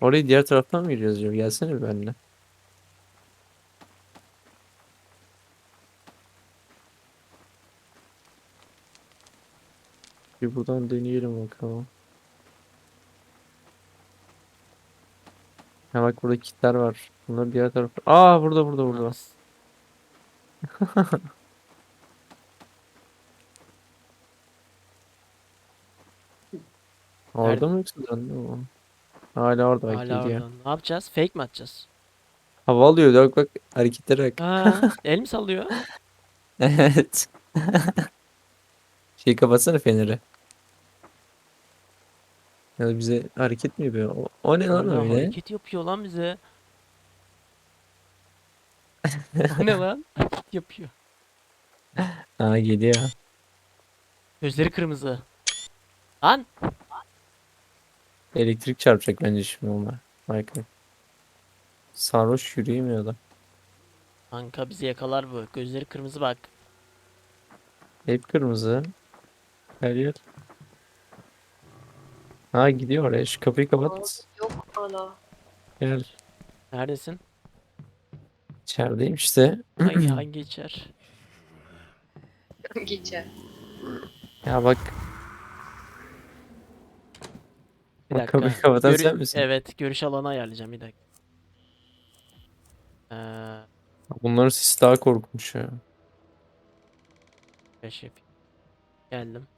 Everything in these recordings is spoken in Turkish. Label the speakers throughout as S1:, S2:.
S1: Orayı diğer taraftan mı gireceğiz acaba? Gelsene bir benimle. Bir buradan deneyelim bakalım. Ha bak burada kitler var. Bunlar diğer tarafta. Aa burada.
S2: Ananız.
S1: Orada
S2: Nerede?
S1: mı yoksa döndü mü? Hala orada bak
S2: Hala
S1: geliyor.
S2: orada. Ne yapacağız? Fake mi atacağız?
S1: Hava alıyor bak hareketlere bak.
S2: Ha, el mi sallıyor?
S1: Evet. Şey kapatsana feneri. Ya da bize hareket mi yapıyor? O ne lan
S2: Hala
S1: öyle?
S2: hareket yapıyor lan bize. O ne lan? Hareket yapıyor.
S1: Ha geliyor.
S2: Gözleri kırmızı. Lan!
S1: Elektrik çarpacak bence şimdi onlar. Michael. Sarhoş yürüyemiyor da.
S2: Kanka bizi yakalar bu. Gözleri kırmızı bak.
S1: Hep kırmızı. Her yer. Ha gidiyor oraya. Şu kapıyı
S3: Aa,
S1: kapat.
S3: yok hala.
S1: Gel.
S2: Neredesin?
S1: İçerideyim işte.
S2: Hangi içer?
S3: Geçer.
S1: Ya bak.
S2: Bir
S1: Bak kapıyı
S2: dakika.
S1: kapatan sen misin?
S2: Evet, görüş alanı ayarlayacağım bir dakika.
S1: Bunların sesi daha korkunç ya.
S2: Beş yapayım. Geldim.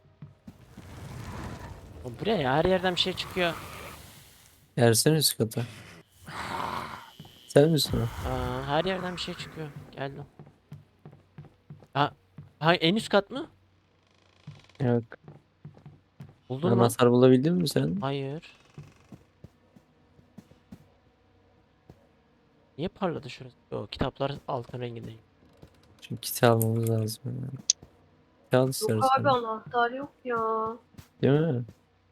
S2: Oğlum buraya ya her yerden bir şey çıkıyor.
S1: Gelsene üst kata. Sen misin o?
S2: Her yerden bir şey çıkıyor. Geldim. Ha, ha en üst kat mı?
S1: Yok.
S2: Buldun mu?
S1: Anahtar bulabildin mi sen?
S2: Hayır. Niye parladı şurası? Yo, kitaplar altın rengindeyim.
S1: Çünkü kit almamız lazım. Yani. Kit al
S3: Yok abi
S1: istersen.
S3: anahtar yok ya.
S1: Değil mi?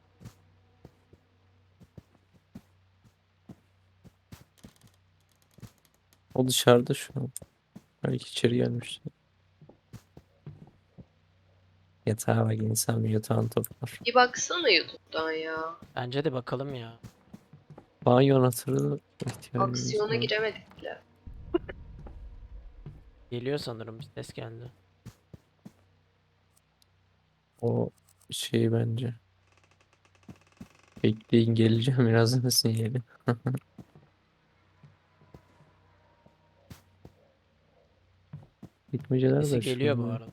S1: O dışarıda şu an. Belki içeri gelmiş. Yatağa bak insan bir yatağın toplar.
S3: Bir baksana YouTube'dan ya.
S2: Bence de bakalım ya.
S1: Banyo anahtarı ihtiyacımız
S3: Aksiyona
S1: var.
S3: giremedik bile.
S2: Geliyor sanırım bir ses geldi.
S1: O şey bence. Bekleyin geleceğim birazdan sinyali. Gitmeceler de
S2: Sesi
S1: şu
S2: geliyor bu
S1: an.
S2: arada.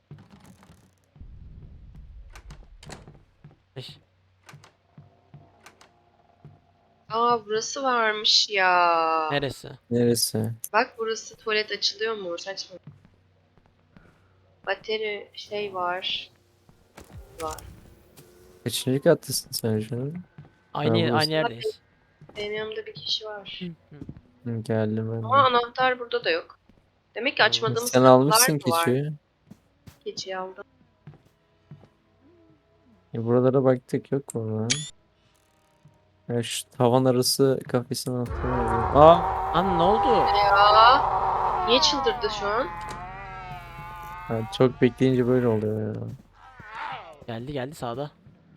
S2: Eş,
S3: Aa burası varmış ya.
S2: neresi?
S1: Neresi?
S3: Bak burası tuvalet açılıyor mu? Saçma. Bateri şey var. Var.
S1: Kaçıncı kattasın sen şu an? Ha
S2: Aynı
S1: burası.
S3: Aa,
S2: yerdeyiz.
S3: benim yanımda bir kişi
S2: Hı
S3: var.
S2: hı.
S1: Hı, geldim ben
S3: Ama
S1: de.
S3: anahtar burada da yok. Demek ki
S2: Hmm.
S3: açmadığımız
S1: Sen
S3: kapılar
S1: almışsın
S3: mı var?
S1: keçiyi.
S3: Keçiyi aldım.
S1: Buralara baktık yok mu lan? Ya şu tavan arası kafesin anahtarı var. Aa!
S2: Lan ne oldu?
S3: Ya niye çıldırdı şu an?
S1: Ha, çok bekleyince böyle oluyor ya.
S2: Geldi sağda.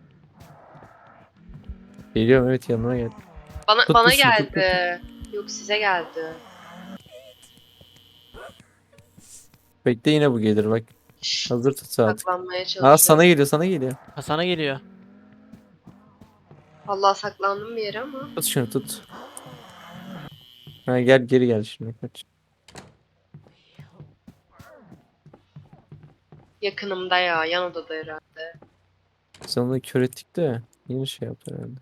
S1: Geliyorum evet yanına gel.
S3: Bana
S1: Tut
S3: bana
S1: tut şunu tut.
S3: geldi. Yok size geldi.
S1: Bekle yine bu gelir bak.
S3: Şşş,
S1: Hazır tut saat.
S3: saklanmaya
S1: Aa sana
S3: çalışıyorum.
S1: geliyor sana geliyor.
S2: Ha sana geliyor.
S3: Allah saklandım bir yere ama.
S1: Tut şunu tut. Ha gel geri gel şimdi kaç.
S3: Yakınımda ya, yan odada herhalde.
S1: Biz onu kör ettik de yine şey yaptı herhalde.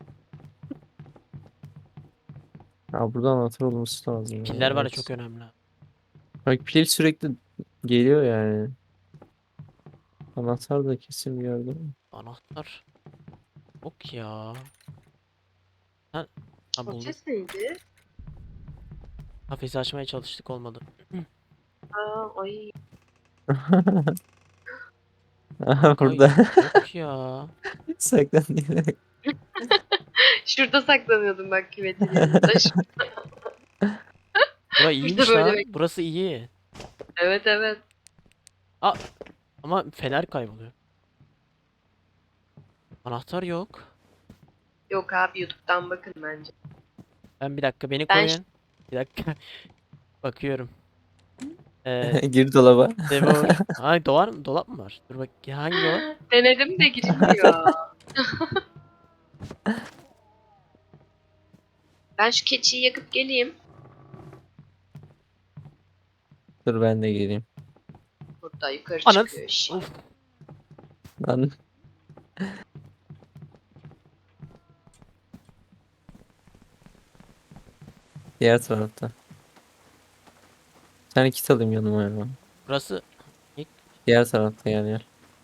S1: Ha buradan anahtar olması lazım ya,
S2: Piller var ya çok
S1: evet.
S2: önemli.
S1: Bak pil sürekli geliyor yani. Anahtar da kesin bir yerde.
S2: Anahtar. Yok ya. Ha
S3: O
S2: buldum.
S3: ses neydi?
S2: Kafesi açmaya çalıştık olmadı.
S3: Aa, ay.
S1: Aha
S2: Kanka
S1: burada
S2: yok ya.
S1: saklanıyor.
S3: Şurada saklanıyordum bak küvetin yanında.
S2: Bura
S3: Burada
S2: iyiymiş
S3: böyle
S2: lan. Burası iyi.
S3: Evet evet.
S2: Aa, ama fener kayboluyor. Anahtar yok.
S3: Yok abi YouTube'dan bakın bence.
S2: Ben bir dakika beni
S3: Ben
S2: koruyun. Bir dakika. Bakıyorum.
S1: Gir dolaba.
S2: Devor. Ay dolap mı var? Dur bak hangi dolap?
S3: denedim de girilmiyor. Ben şu keçiyi yakıp geleyim.
S1: Dur ben de geleyim.
S3: Burada yukarı
S2: Anan.
S3: çıkıyor iş.
S2: Uf.
S1: Lan diğer tarafta. Bir tane kit alayım yanıma ya.
S2: Burası
S1: Diğer tarafta gel.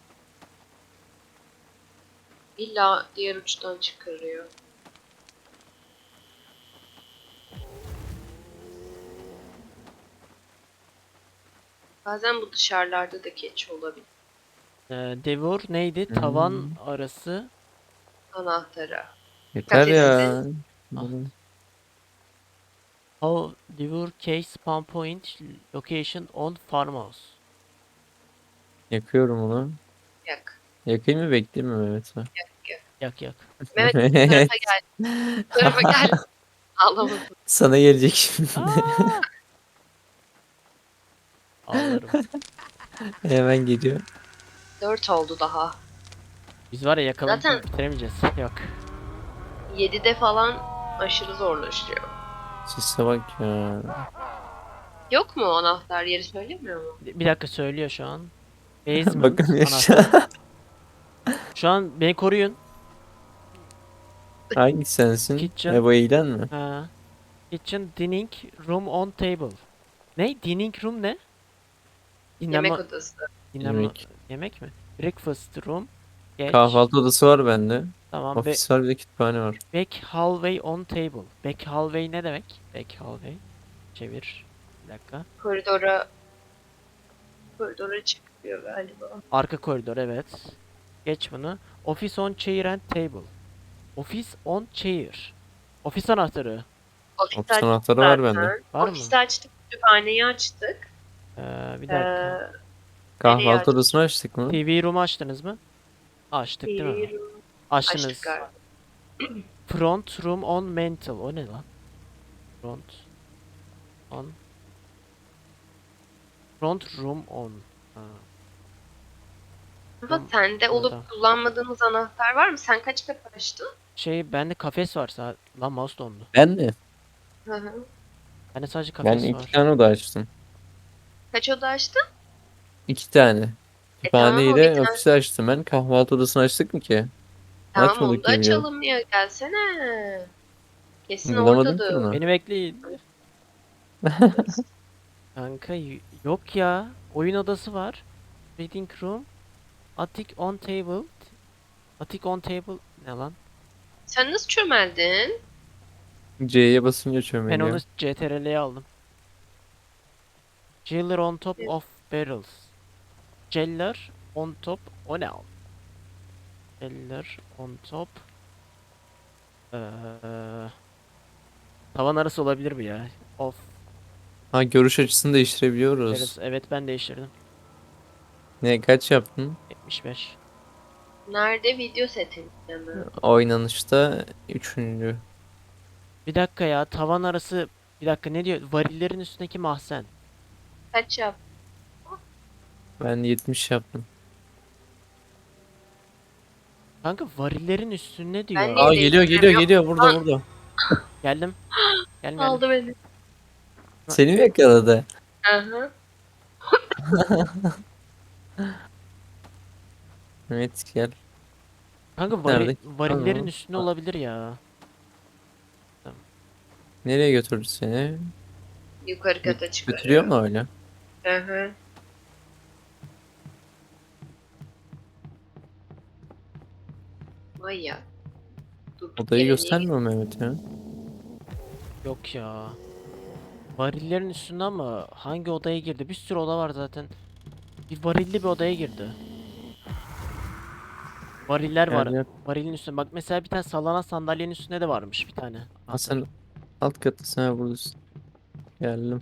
S3: İlla diğer uçtan çıkarıyor. Bazen bu dışarılarda da keçi olabilir.
S2: Devor neydi? Tavan arası.
S3: Anahtara.
S1: Yeter ya.
S3: Kafesinde.
S2: Ah. How Devor case spawn point location on farmhouse.
S1: Yakıyorum onu.
S3: Yak.
S1: Yakayım mı bekleyeyim mi Mehmet?
S2: Yak yak.
S3: Mehmet bu tarafa gel. Bu tarafa gel. Ağlamasın.
S1: Sana gelecek şimdi.
S2: Aa! Ağlarım.
S1: Hemen geliyor.
S3: 4 oldu daha.
S2: Biz var ya yakaladık
S3: Zaten-
S2: bitiremeyeceğiz. Yok.
S3: 7'de falan aşırı zorlaşıyor.
S1: Sise bak ya.
S3: Yok mu anahtar yeri söylemiyor mu?
S2: Bir dakika söylüyor şu an. Basement
S1: Bakın
S2: anahtar.
S1: aşağı.
S2: Şu an beni koruyun.
S1: Hangi sensin?
S2: Kitchen.
S1: Bu eğlen mi?
S2: Ha. Kitchen dining room on table. Ne? Dining room ne? Dinlenme,
S3: Yemek odası.
S2: dinlenme,
S1: Yemek.
S2: yemek mi? Breakfast room. Geç.
S1: Kahvaltı odası var bende.
S2: Tamam.
S1: Ofis var bir de kütüphane var.
S2: Back hallway on table. Back hallway ne demek? Back hallway. Çevir. Bir dakika.
S3: Koridora çıkıyor galiba.
S2: Arka koridor evet. Geç bunu. Office on chair and table. Office on chair. Ofis anahtarı.
S3: Ofis
S1: Ofis
S3: açtık
S1: anahtarı var
S3: zaten.
S1: bende.
S2: Var mı?
S3: Ofisi açtık, kütüphaneyi açtık.
S2: Bir dakika.
S1: Kahvaltı
S3: açtık?
S1: odasını açtık mı?
S2: TV room açtınız mı? Açtık değil mi?
S3: TV
S2: Açtınız.
S3: açtık galiba.
S2: Front room on mental. O ne lan? Front on. Front room on. Ha.
S3: Ama
S2: Tamam,
S3: sende olup
S2: tamam.
S3: kullanmadığımız anahtar var mı? Sen kaç kapı açtın?
S2: Bende kafes var. Lan mouse dondu.
S1: Ben mi?
S3: Hı hı.
S2: Bende sadece
S1: Ben
S2: kafes
S1: iki
S2: var.
S1: tane oda açtım.
S3: Kaç oda açtın?
S1: 2 tane.
S3: Tamam,
S1: Kütüphane
S3: o bir
S1: ile
S3: tane.
S1: ofisi açtım ben. Kahvaltı odasını açtık mı ki?
S3: Tamam
S1: Açmadık
S3: onu da
S1: diye biliyorum.
S3: açalım ya. Gelsene. Kesin
S1: Bulamadım ki
S3: oradadır.
S1: bunu.
S2: Beni bekleyin. Kanka yok ya. Oyun odası var. Reading room. Attic on table. Attic on table ne lan?
S3: Sen nasıl çömeldin?
S1: C'ye basınca
S2: Ben
S1: çömeliyor.
S2: onu CTRL'ye aldım. Jailer on top
S3: Evet.
S2: of barrels. Jailer on top. O ne al? Jailer on top. Eee tavan arası olabilir mi ya? Of
S1: Ha görüş açısını değiştirebiliyoruz.
S2: barrels. Evet ben değiştirdim.
S1: Ne kaç yaptın?
S2: 75.
S3: Nerede video setinde mi?
S1: Oynanışta 3.
S2: Bir dakika ya tavan arası. Bir dakika ne diyor? Varillerin üstündeki mahzen.
S3: Kaç yap?
S1: Ben 70 yaptım.
S2: Kanka varillerin üstünde diyor.
S3: Ben
S1: Aa
S3: niye
S1: geliyor
S3: değiştiremiyorum?
S1: geliyor burada
S3: Lan,
S1: burada.
S2: Geldim. Geldim.
S3: aldı beni.
S1: Seni mi yakaladı?
S3: Aha.
S1: Evet gel.
S2: Kanka
S1: Nerede?
S2: varillerin
S1: Tamam.
S2: üstünde olabilir ya.
S1: Nereye götürdü seni?
S3: Yukarı kata çıkarıyor.
S1: Götürüyor mu öyle?
S3: Aha. Vay ya. Durduk
S1: Odayı
S3: yere niye
S1: göstermiyor Mehmet ya.
S2: Yok ya. Varillerin üstünde ama hangi odaya girdi? Bir sürü oda var zaten. Bir varilli bir odaya girdi. Variller var.
S1: Gel gel.
S2: Varilin üstünde. Bak mesela bir tane sallanan sandalyenin üstünde de varmış bir tane.
S1: Ha sen alt katta sen buradasın. Geldim.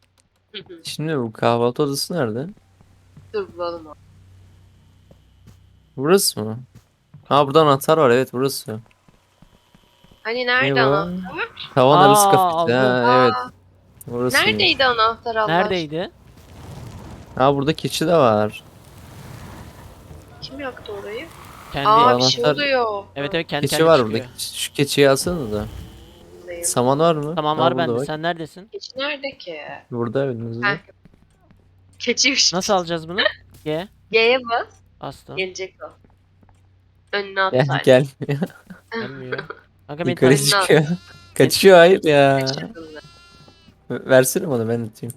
S3: Hı hı.
S1: Şimdi bu kahvaltı odası nerede?
S3: Dur bulalım onu.
S1: Burası mı? Ha burada anahtar var, evet burası.
S3: Hani
S1: Ne
S3: nerede
S1: bu?
S3: anahtar?
S1: Tavan arası kafesi.
S2: Aldım.
S1: Ha evet,
S3: Aa,
S1: burasıymış.
S3: neredeydi anahtar Allah aşkına?
S2: Neredeydi?
S1: Ha burada keçi de var.
S3: Kim yaktı orayı?
S2: Kendi.
S1: Bu
S3: Aa bir şey
S1: anahtar,
S3: oluyor.
S2: Evet evet, kendi
S1: keçi
S2: kendine
S1: var burada.
S2: çıkıyor.
S1: Şu keçiyi alsana da.
S3: Neyim?
S1: Saman var mı?
S2: Tamam,
S1: Ha
S2: var
S1: burada
S2: bende.
S1: bak.
S2: Sen neredesin?
S3: Keçi nerede ki?
S1: Burada önümüzde.
S3: Heh. Keçiymiş.
S2: Nasıl alacağız bunu? G.
S3: G'ye bas.
S2: Bastım.
S3: Gelecek o. Önüne
S1: Gel
S3: at
S1: gel.
S2: Gelmiyor. Kanka beni
S1: Yukarı
S2: takip.
S3: Önüne at.
S1: çıkıyor. Kaçıyor, hayır ya.
S3: Kaçırdın.
S1: Versene bana, ben atayım.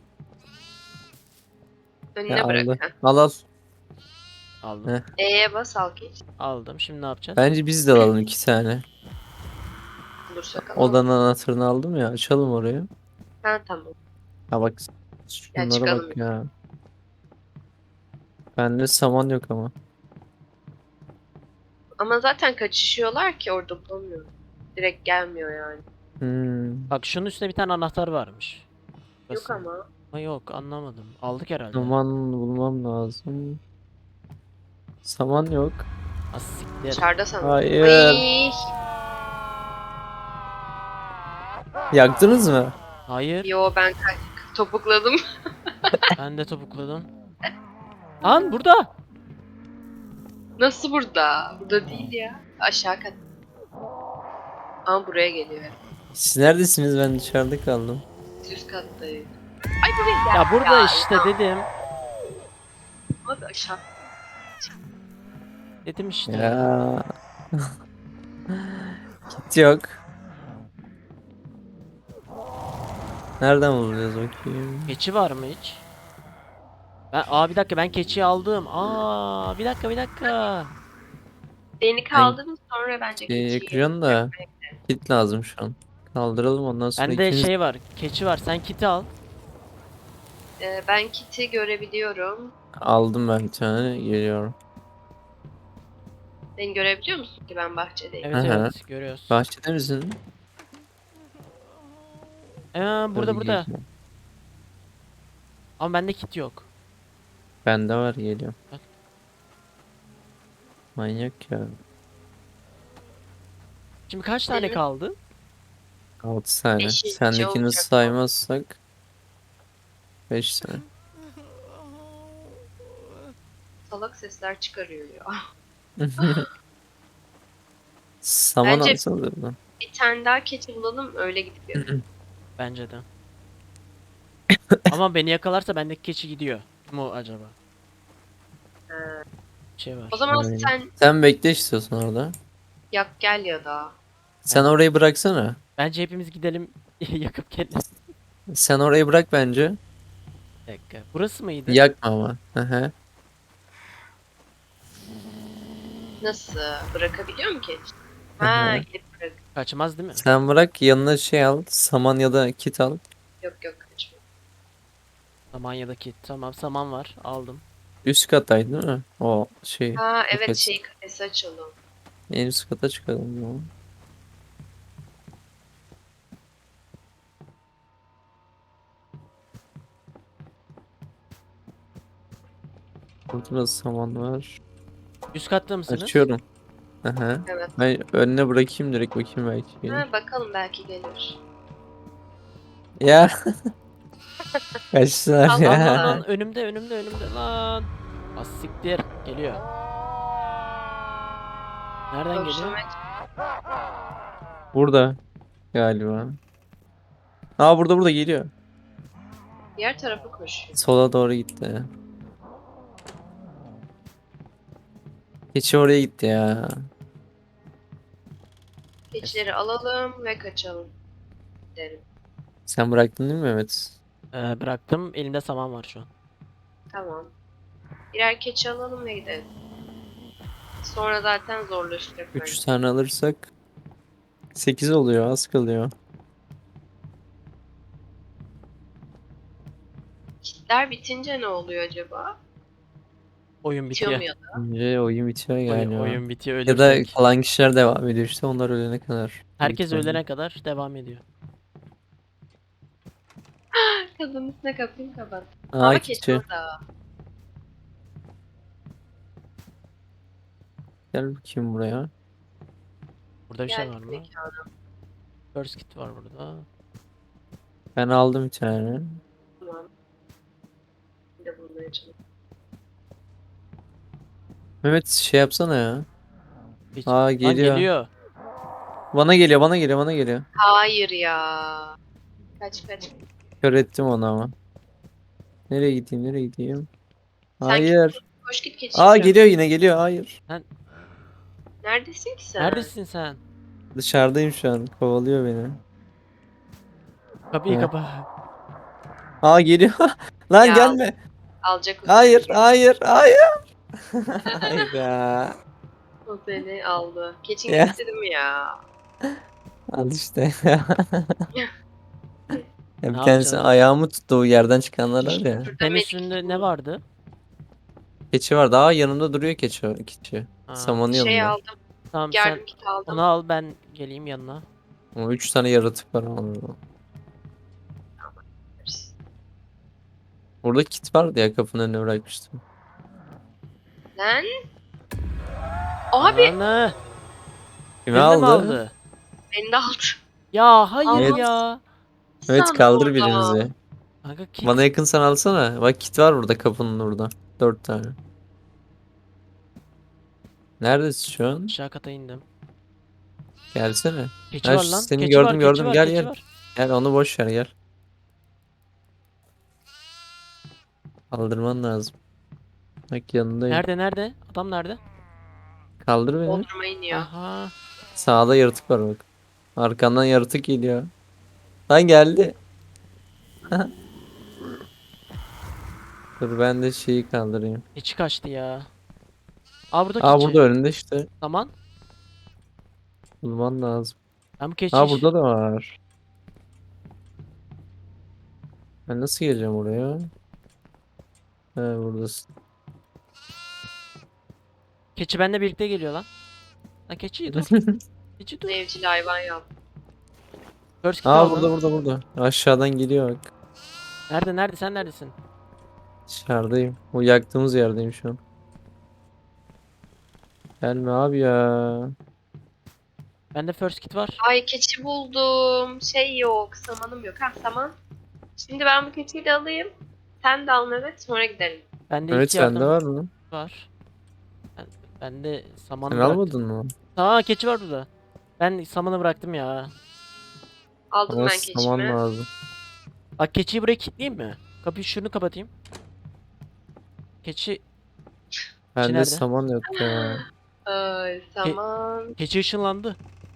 S1: Ya
S3: Önüne bırak.
S1: aldı.
S3: Heh.
S1: Al al.
S2: Aldım.
S1: Heh.
S3: E'ye bas al geç.
S2: Aldım. Şimdi ne yapacağız?
S1: Bence biz de alalım 2 tane.
S3: Bulursak alalım.
S1: Odanın anahtarını aldım ya. Açalım orayı.
S3: Ha tamam.
S1: Ha bak.
S3: Gel
S1: Şunlara
S3: çıkalım.
S1: bak ya. Bende saman yok ama.
S3: Ama zaten kaçışıyorlar ki orada bulamıyorum. Direkt gelmiyor yani.
S2: Bak şunun üstünde bir tane anahtar varmış.
S3: Yok
S2: Burası.
S3: ama.
S2: Ama yok, anlamadım. Aldık herhalde.
S1: Saman bulmam lazım. Saman yok.
S2: Az siktir.
S3: Dışarıda sanırım.
S1: Hayır.
S3: Ay,
S1: Yaktınız mı?
S2: Hayır.
S3: yo ben topukladım.
S2: Ben de topukladım. Lan burada.
S3: Nasıl burada? Burada değil ya. Aşağı kat. Ama buraya geliyor.
S1: Siz neredesiniz? Ben dışarıda kaldım.
S3: Üst kattayım. Ay buraya
S2: Ya
S3: gel.
S2: burada işte dedim.
S3: Abi aşağı.
S2: Dedim işte.
S1: Ya. Kit yok. Nereden bulacağız bakayım?
S2: Keçi var mı hiç? Bir dakika, ben keçiyi aldım. Bir dakika bir dakika.
S3: Beni kaldırın sonra bence keçiyi.
S1: Yakacağım da kit lazım şu an. Kaldıralım ondan sonra
S2: Bende
S1: ikimiz...
S2: şey var. Keçi var. Sen kiti al.
S3: Ben kiti görebiliyorum.
S1: Aldım ben bir tane, geliyorum.
S3: Beni görebiliyor musun ki ben bahçedeyim?
S2: Evet
S1: Aha.
S2: evet, görüyoruz.
S1: Bahçede misin?
S2: Burada
S1: Hadi
S2: burada.
S1: geliyorum.
S2: Ama bende kit yok.
S1: Bende var, geliyorum.
S2: Bak.
S1: Manyak ya.
S2: Şimdi kaç tane
S3: Benim-
S2: kaldı?
S1: 6 tane.
S3: Beşinci
S1: Sendekini
S3: olacak bu.
S1: saymazsak 5 tane.
S3: Salak sesler çıkarıyor ya.
S1: Saman
S3: Bence-
S1: alsanız buradan.
S3: Bir tane daha keçi bulalım öyle gidip yapalım.
S2: Bence de. Ama beni yakalarsa bendeki keçi gidiyor. Kim o acaba?
S3: Ha.
S2: Bir şey var.
S3: O zaman
S1: Aynen.
S3: sen
S1: Sen bekle istiyorsan orada.
S3: yak gel ya da.
S1: Sen orayı bıraksana.
S2: Bence hepimiz gidelim yakıp gelelim.
S1: Sen orayı bırak bence.
S2: Bir dakika. Burası mıydı?
S1: Yakma ama. Aha.
S3: Nasıl? Bırakabiliyor mu keçi?
S1: Hı
S3: Ha
S1: hı.
S3: gidip bırak.
S2: Kaçmaz değil mi?
S1: Sen bırak, yanına şey al. Saman ya da kit al.
S3: Yok yok kaçma.
S2: Saman ya da kit. Tamam, saman var. Aldım.
S1: Üst kattaydı değil mi? O şey.
S3: Ha evet
S1: kafes.
S3: şey kafesi açalım.
S1: En üst kata çıkalım ya. Burada da saman var.
S2: Üst katta mısınız?
S1: Açıyorum. Aha.
S3: Evet.
S1: Ben önüne bırakayım direkt, bakayım belki gelir.
S3: Ha bakalım belki gelir.
S1: Ya. Kaçtılar
S3: Allah
S1: ya.
S3: Allah.
S2: Lan önümde lan. Az siktir. Geliyor. Nereden geliyor?
S3: Kavuşturmaya
S1: Burada galiba. Aa burada geliyor.
S3: diğer tarafa koşuyor.
S1: Sola doğru gitti. Keçi oraya gitti ya.
S3: Keçileri alalım ve kaçalım. Derim.
S1: Sen bıraktın değil mi Mehmet?
S2: Bıraktım. Elimde saman var şu an.
S3: Tamam. Birer keçi alalım ve gidelim. Sonra zaten zorlaşacak
S1: 3
S3: bence.
S1: tane alırsak 8 oluyor, az kalıyor.
S3: Kitler bitince ne oluyor acaba?
S2: Oyun
S3: Bitiyor mu
S2: bitiyor.
S3: ya da?
S1: Önce oyun bitiyor galiba.
S2: Oyun bitiyor,
S1: Ya da
S2: ölürsek.
S1: kalan kişiler devam ediyor işte, onlar ölene kadar. Büyük
S2: Herkes
S1: ihtimalle.
S2: ölene kadar devam ediyor.
S3: Kadın üstüne kapıyı kapat.
S1: Aa
S3: Ama keçi
S1: keçi.
S3: orada.
S1: Gel bakayım buraya.
S2: Burada bir şey var
S3: Geldik
S2: mı?
S3: mekana.
S2: First kit var burada.
S1: Ben aldım bir tane.
S3: Tamam. Bir de bulmaya çalışıyorum.
S1: Mehmet şey yapsana ya.
S2: Hiç...
S1: Aa
S2: Lan
S1: geliyor.
S2: geliyor.
S1: Bana geliyor, bana geliyor, bana geliyor.
S3: Hayır ya. Kaç kaç.
S1: Kör ettim onu ama. Nereye gideyim, nereye gideyim?
S3: Sen
S1: Hayır.
S3: koş git keçiyi
S1: Aa
S3: bırak.
S1: geliyor, yine geliyor. Hayır.
S3: Neredesin ki sen?
S2: Neredesin sen?
S1: Dışarıdayım şu an. Kovalıyor beni.
S2: Kapıyı
S1: Heh.
S2: kapa.
S1: Aa geliyor. Lan
S3: Ya,
S1: gelme.
S3: Alacak o
S1: Hayır,
S3: seni.
S1: hayır, hayır. Hayır ya.
S3: O seni aldı. Keçin
S1: Ya.
S3: gitti değil mi ya?
S1: Al işte. Ya
S2: Ne
S1: bir tanesi
S2: yapacağız?
S1: ayağımı tuttu, o yerden çıkanlar var ya.
S3: Şurada
S2: Senin
S3: medik
S2: üstünde ne
S3: bu.
S2: vardı?
S1: Keçi var. Daha yanımda duruyor keçi. Keçi.
S2: Ha,
S1: Samanın
S3: Şey
S1: yanında.
S3: aldım.
S2: tamam sen
S3: Yardım kit aldım.
S2: onu al ben geleyim yanına.
S1: Ama 3 tane yaratık var ama. Burada kit vardı ya, kapının önüne bırakmıştım.
S3: Lan. Abi.
S2: Ananı.
S1: Kimi
S2: Birini mi
S1: aldı?
S2: aldı?
S3: Beni de aldı.
S2: Ya hayır
S1: Evet.
S2: ya.
S1: Evet,
S3: Sandım
S1: kaldır
S3: orada.
S1: birinizi.
S2: Kanka kit.
S1: Bana yakınsan alsana. Bak kit var burada, kapının orada. 4 tane. Neredesin şu an?
S2: Aşağı kata indim.
S1: Gelsene.
S2: Keçi
S1: Ha,
S2: var lan.
S1: seni
S2: Keçi var,
S1: gördüm
S2: keçi
S1: gördüm.
S2: var,
S1: Gel
S2: keçi
S1: gel.
S2: var.
S1: Gel, onu boş ver, gel. Kaldırman lazım. Bak yanındayım.
S2: Nerede? Adam nerede?
S1: Kaldır beni.
S3: Bodrum'a iniyor.
S2: Aha.
S1: Sağda yaratık var bak. Arkandan yaratık geliyor. Lan geldi. Dur ben de şeyi kaldırayım.
S2: Keçi kaçtı ya. Aa burada
S1: Aa
S2: keçi.
S1: burada önünde işte.
S2: Tamam.
S1: Bulman lazım.
S2: Ben bu keçi
S1: Aa burada da var. Ben nasıl geleceğim oraya? He buradasın.
S2: Keçi benimle birlikte geliyor lan. Lan keçi dur. Keçi dur.
S3: Evcil hayvan yaptım.
S2: First kit
S1: Aa
S2: aldım.
S1: burada. Aşağıdan geliyor bak.
S2: Nerede sen neredesin?
S1: Dışarıdayım. O yaktığımız yerdeyim şu an. Gelme abi ya.
S2: Bende first kit var.
S3: Ay keçi buldum. Şey yok. Samanım yok. Ha saman. Şimdi ben bu keçiyi de alayım. Sen de al Mehmet. Sonra gidelim.
S2: Bende
S1: Evet
S2: ilk yardım
S1: sende var mı?
S2: var. Ben de samanı
S1: Sen
S2: bıraktım.
S1: almadın mı?
S2: Aa keçi var burada. Ben samanı bıraktım ya.
S3: Aldım
S1: Ama
S3: ben
S1: saman
S3: keçimi.
S1: lazım.
S2: Bak keçiyi buraya kilitleyeyim mi? Kapıyı şunu kapatayım. Keçi
S1: Bende
S2: nerede?
S1: saman yok ya.
S3: Ay saman.
S2: keçi ışınlandı.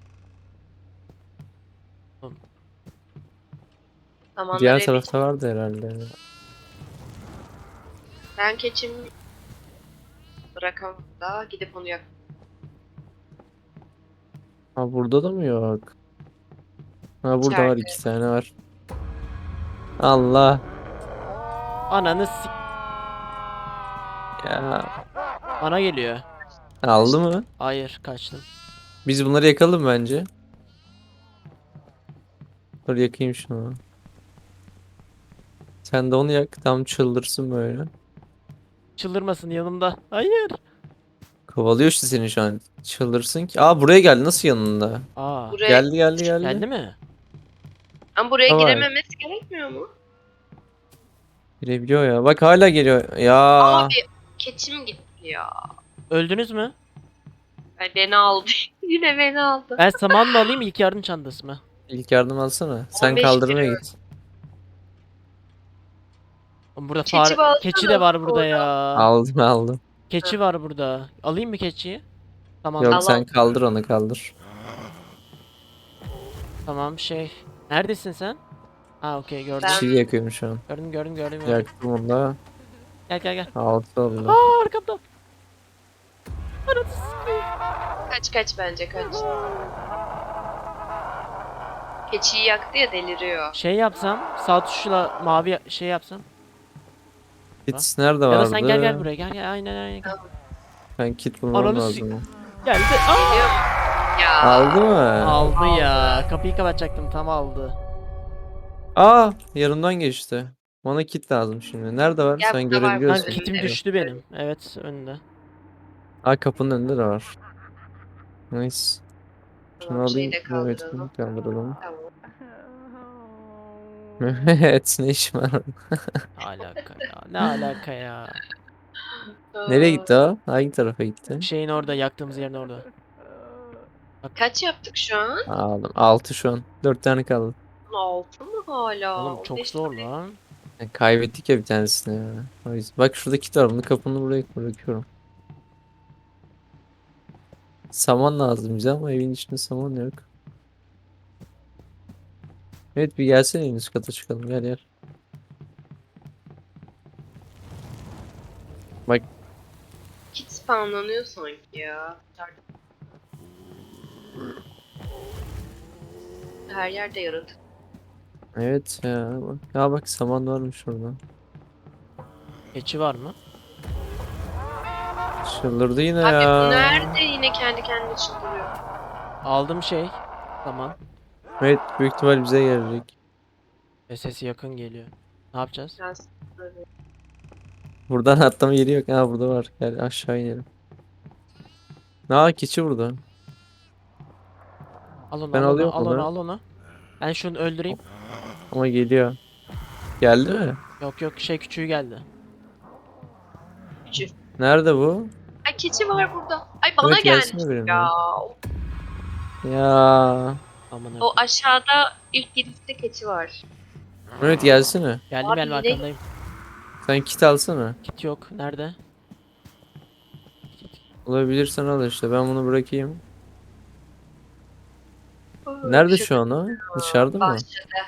S3: Samanları
S1: Diğer
S3: eve-
S1: tarafta vardı herhalde.
S3: Ben keçimi bırakamam da gidip onu yak.
S1: Ha burada da mı yok? Ha burada var,
S3: İçeride.
S1: 2 tane var. Allah
S2: Ananı sik.
S1: ya.
S2: Bana geliyor.
S1: Aldı mı?
S2: Hayır kaçtım.
S1: Biz bunları yakalım bence. Dur yakayım şunu. Sen de onu yak. Tam çıldırsın böyle.
S2: Çıldırmasın yanımda. Hayır.
S1: Kovalıyor işte seni şu an. Çıldırsın ki. Aa buraya geldi. Nasıl yanında?
S2: Aa.
S3: Buraya
S1: Geldi.
S2: Geldi mi?
S3: Ama buraya
S1: Tamam.
S3: girememesi gerekmiyor mu?
S1: Girebiliyor ya. Bak hala geliyor. Ya.
S3: Abi keçim gitti ya.
S2: Öldünüz mü?
S3: Ay, beni aldı. Yine beni aldı.
S2: Ben saman mı alayım ilk yardım çantası mı?
S1: İlk yardım alsana. Sen
S3: 15
S1: kaldırmaya
S3: kilo.
S1: git.
S2: Oğlum burada
S3: Keçi
S2: fare...
S3: bağlasana
S2: Keçi de var burada
S3: orada.
S2: ya.
S1: Aldım.
S2: Keçi var burada. Alayım mı keçiyi? Tamam.
S1: Yok
S3: Al,
S1: sen
S3: al.
S1: kaldır onu kaldır.
S2: Tamam şey. Neredesin sen? Ha okey gördüm.
S3: Ben-
S1: Çiğ yakıyorum şu an.
S2: Gördüm.
S1: Yaktım onu da.
S2: Gel.
S1: Altı oldu.
S2: Aa arkamda. Ananı sikeyim.
S3: Kaç bence kaç. Keçiyi yaktı ya deliriyor.
S2: Şey yapsam sağ tuşla mavi şey yapsam.
S1: Kit nerede
S2: Ya
S1: vardı?
S2: da sen gel buraya gel aynen gel.
S1: Ben kit bulmam
S2: Ananı
S1: lazım.
S2: Geldi. Aa!
S3: Geliyor. Ya.
S1: Aldı mı?
S2: Aldı ya. Kapıyı kapatacaktım tam aldı.
S1: Aa yanımdan geçti. Bana kit lazım şimdi. Nerede var?
S3: Gel,
S1: Sen
S3: burada var,
S2: Lan
S1: görebiliyorsun.
S3: önünde.
S2: kitim düştü benim. Evet önünde.
S1: Aa kapının önünde de var. Nice. Şunu
S3: Tamam, şeyi
S1: alayım.
S3: de
S1: Evet,
S3: kaldıralım.
S1: bunu kaldıralım.
S3: Tamam.
S1: Evet, ne işim var?
S2: Ne alaka ya? Ne alaka ya?
S1: Nereye
S3: Aa,
S1: gitti o? Hangi tarafa gitti?
S2: Şeyin orada, yaktığımız yerin orada.
S3: kaç yaptık şu an?
S1: Aldım. 6 şu an. 4 tane kaldı.
S3: 6 mı hala?
S2: Oğlum çok
S3: 15
S2: zor
S3: tane.
S2: lan.
S1: Kaybettik ya bir tanesini ya. O yüzden. Bak şurada kit var. Bunu kapını buraya bırakıyorum. Saman lazım bize ama evin içinde saman yok. Evet bir gelsene en üst kata çıkalım. Gel gel. Bak
S3: Kit spawnlanıyor sanki ya. Her yerde yaratık.
S1: evet ya. Bak, ya bak saman varmış orada.
S2: Keçi var mı?
S1: Çıldırdı yine
S3: Abi bu
S1: ya.
S3: nerede yine kendi kendine çıldırıyor.
S2: Aldım şey. Tamam.
S1: Evet büyük ihtimal bize gelecek.
S2: Ve sesi yakın geliyor. Ne yapacağız?
S3: Biraz böyle.
S1: Buradan atlama yeri yok. Ha burada var. Gel aşağı inelim. Aa keçi burada.
S2: Al onu,
S1: Ben
S2: al onu,
S1: alıyorum
S2: al onu,
S1: onu.
S2: al onu. Ben şunu öldüreyim.
S1: Ama geliyor. Geldi mi?
S2: Yok yok, şey küçüğü geldi.
S3: Küçük.
S1: Nerede bu?
S3: Ay keçi var burada. Ay bana
S1: Evet
S3: gelmiş
S1: gelsene benimle.
S3: ya.
S1: Ya.
S2: Aman
S3: O
S2: Allah'ım.
S3: aşağıda ilk girişte keçi var.
S1: Evet gelsene.
S2: Geldim
S3: Abi
S2: geldim,
S3: yine-
S2: arkandayım.
S1: Sen kit alsana.
S2: Kit yok. Nerede?
S1: Olabilirsen al işte. Ben bunu bırakayım. Nerede şu an o? Dışarıda mı?
S3: Bahçede.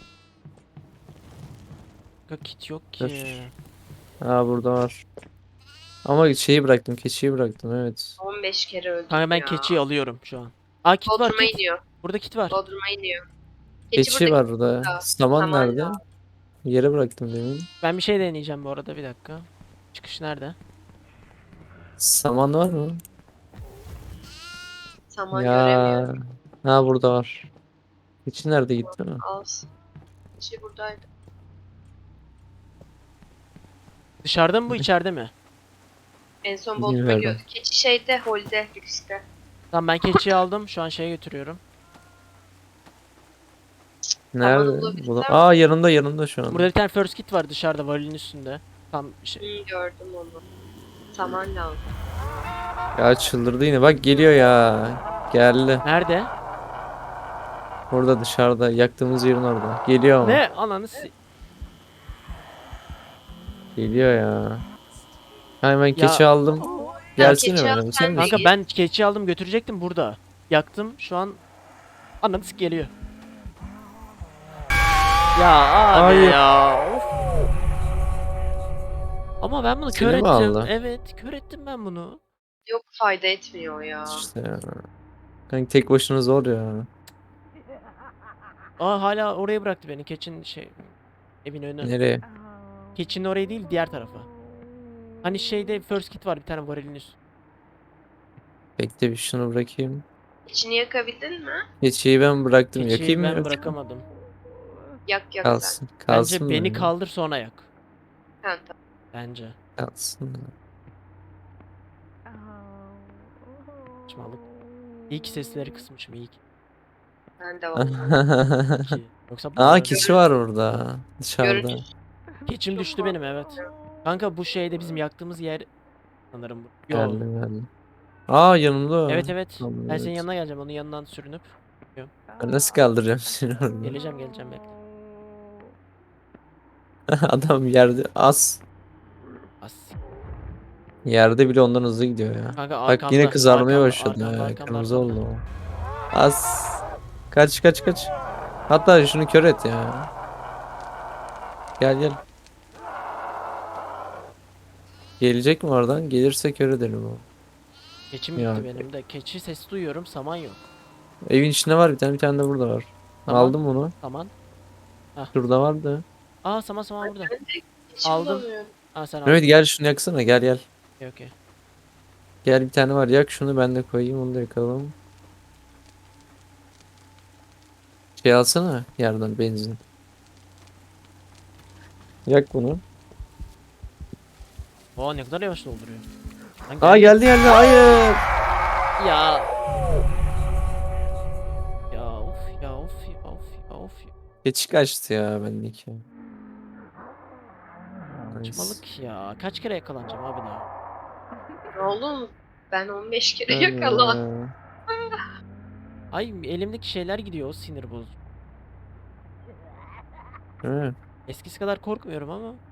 S2: Yok, kit yok
S1: Dur.
S2: ki.
S1: Ha burada var. Ama şeyi bıraktım. Keçiyi bıraktım. Evet.
S3: 15 kere öldüm
S2: Kanka ben
S3: ya.
S2: keçiyi alıyorum şu an. Aa, kit var,
S3: Bodrum'a
S2: kit.
S3: iniyor.
S2: Burada kit var.
S3: Bodrum'a iniyor. Keçi
S1: Keçi
S3: burada.
S1: var burada.
S3: burada.
S1: Saman
S3: Saman
S1: nerede?
S3: lazım.
S1: Yere bıraktım demin.
S2: Ben bir şey deneyeceğim bu arada, bir dakika. Çıkış nerede?
S1: Saman var mı?
S3: Saman
S1: Ya.
S3: göremiyorum.
S1: Ha burada var. Keçi nerede gitti mi?
S3: Az. Keçi buradaydı.
S2: Dışarıda mı bu, içeride mi?
S3: En son Bodrum'a
S1: Bilmiyorum.
S3: gidiyordu. Keçi şeyde, holde, lükste.
S2: Tamam, ben keçiyi aldım. Şu an şeye götürüyorum.
S1: Nerede?
S3: bulabilirsem-
S1: Bu Aa yanımda şu an.
S2: Burada bir tane first kit var dışarıda, varilin üstünde. Tam şey.
S3: Gördüm onu. Saman lazım.
S1: Ya çıldırdı yine. Bak geliyor ya. Geldi.
S2: Nerede?
S1: Orada dışarıda. Yaktığımız yerin orada. Geliyor ama.
S2: Ne? Ananı
S1: Geliyor ya. Hemen
S2: Ya-
S1: keçi aldım. Gelsene
S3: keçi al,
S1: bana.
S3: sen de
S2: Kanka
S3: git.
S2: ben keçi aldım, götürecektim burada. Yaktım şu an. Ananı geliyor. Ya abi
S1: Hayır.
S2: ya. Of. Ama ben bunu
S1: Seni
S2: kör
S1: mi
S2: ettim.
S1: aldı?
S2: Evet, kör ettim ben bunu.
S3: Yok fayda etmiyor ya.
S1: İşte ya. Kanka tek başına zor ya.
S2: Aa, hala oraya bıraktı beni, keçinin şey, evin önü.
S1: Nereye?
S2: Keçinin oraya değil, diğer tarafa. Hani şeyde first kit var bir tane, varilin üstü.
S1: Bekle bir şunu bırakayım.
S3: İçini yakabildin mi?
S1: Keçiyi ben bıraktım.
S2: Keçiyi
S1: Yakayım mı
S2: ben
S1: yoksa?
S2: bırakamadım.
S3: Yak sen.
S1: Kalsın. Kalsın
S2: Bence beni
S1: bende.
S2: kaldır sonra yak.
S3: Ha, tamam.
S2: Bence.
S1: Kalsın.
S2: Saçmalık. İyi ki sesleri kısmışım, iyi ki.
S3: Ben de var.
S2: İyi. Yoksa
S1: Aa keçi var orada. Dışarıda.
S3: Görüntü.
S2: keçim
S3: Çok
S2: düştü benim, evet. Kanka bu şeyde bizim yaktığımız yer sanırım bu. Yo.
S1: Geldim. Aa yanımda o.
S2: Evet evet.
S1: Tamam,
S2: Ben senin
S1: evet.
S2: yanına geleceğim, onun yanından sürünüp.
S1: Ben nasıl kaldıracağım seni orada?
S2: Geleceğim bekle.
S1: Adam yerde az.
S2: As.
S1: Yerde bile ondan hızlı gidiyor ya.
S2: Kanka
S1: Bak
S2: arkamda.
S1: yine kızarmaya
S2: arkamda,
S1: başladı
S2: arkamda,
S1: ya.
S2: arkamda,
S1: Kırmızı
S2: arkamda.
S1: oldu o. Az. Kaç. Hatta şunu kör et ya. Gel. Gelecek mi oradan? Gelirse kör edelim o.
S2: Keçim
S1: Ya.
S2: gitti benim de. Keçi sesi duyuyorum, saman yok.
S1: Evin içinde var bir tane de burada var.
S2: Tamam.
S1: Aldım bunu.
S2: Saman.
S1: Şurada vardı.
S2: Aa, saman burada.
S3: Ben de keçi
S2: Aldım.
S3: bulamıyorum.
S2: Aa, sen aldın.
S1: Evet gel şunu yaksana gel.
S2: Okey.
S1: Gel bir tane var yak şunu ben de koyayım onu da yakalım. Şey alsana yerden benzin. Yak bunu.
S2: Oo, ne kadar yavaş dolduruyor. Lan
S1: Aa geldi hayır.
S2: Ya. Of ya of ya of ya.
S1: Keçi kaçtı ya bendeki. Nice.
S2: Saçmalık ya. Kaç kere yakalanacağım abi daha?
S3: Oğlum ben 15 kere
S1: Öyle.
S3: yakalandım.
S2: Ay elimdeki şeyler gidiyor, o sinir bozucu.
S1: Değil mi?
S2: Eskisi kadar korkmuyorum ama